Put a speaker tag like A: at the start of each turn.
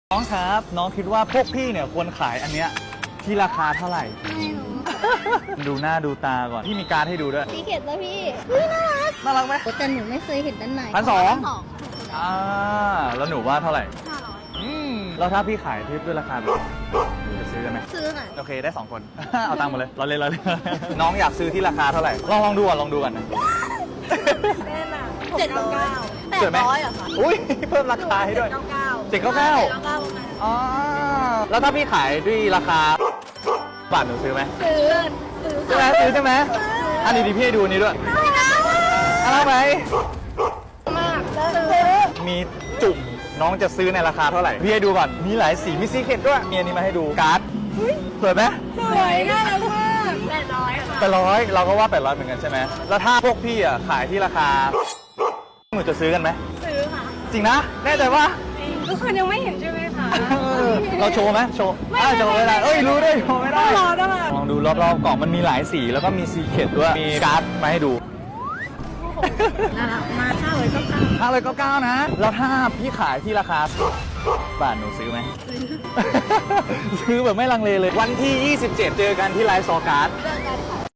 A: น้องครับน้องคิดว่าพวกพี่เนี่ยควรขายอันเนี้ยที่ราคาเท่าไหร่
B: ไม่รู้
A: ดูหน้าดูตาก่อนพี่มีการ์ดให้ดูด้วย
B: สีเข็ดแล้วพี่น่ารัก
A: น่ารักไหม
B: แต่หนูไม่เคยเห็นด้านใน
A: 1,200 แล้วหนูว่าเท่าไหร่แล้วถ้าพี่ขายที่ด้วยราคาแบบหนูจะซื้อกันไหม
B: ซื้อค่ะ
A: โอเคได้2 คน เอาตังค์มาเลยเราเล่น น้องอยากซื้อที่ราคาเท่าไหร่ลองดูก่อนลองดูก่อนนะ
C: แน่น่ะ
B: 700
A: เกิดไหม
B: 800เหรอคะ
A: อุ้ยเพิ่มราคาให้ด้วย 799อ๋อแล้วถ้าพี่ขายด้วยราคาบาทหนูซื้อไหม
B: ซื้อ
A: ใช่ไหมซื้อใช่ไหมอันนี้ดิพี่ให้ดูอันนี้ด้วยอะไรไหม
B: มากซื้อ
A: มีจุ่มน้องจะซื้อในราคาเท่าไหร่พี่ให้ดูก่อนมีหลายสีมีซีเคร็ตด้วยมีอันนี้มาให้ดูการ์ดสวยไหม
C: สวยน่ารักมาก800ค่ะ
A: 800เราก็ว่า800เหมือนกันใช่ไหมแล้วถ้าพวกพี่อ่ะขายที่ราคาหนูจะซื้อกันไหม
C: ซื้อค่ะ
A: จริงนะแน่ใจว่า
C: ทุกคนยังไม่เห็นใช่ไหมคะ
A: เราโชว์ไหมโชว์โชว์ไม่ได้เอ้ยรู้ด้วยโชว์ไม่ได้
C: ต้องรอต้องรอ
A: ลองดูรอบๆกล่องมันมีหลายสีแล้วก็มีซีเคร็ตด้วยมีการ์ดมาให้ดู
B: น่ารักมาก
A: 599นะแล้วถ้าพี่ขายที่ราคาบาทหนูซื้อไหม ซื้อแบบไม่ลังเลเลยวันที่ 27 เจอกันที่ไลฟ์ซอการ์ด
B: เรื่องการขาย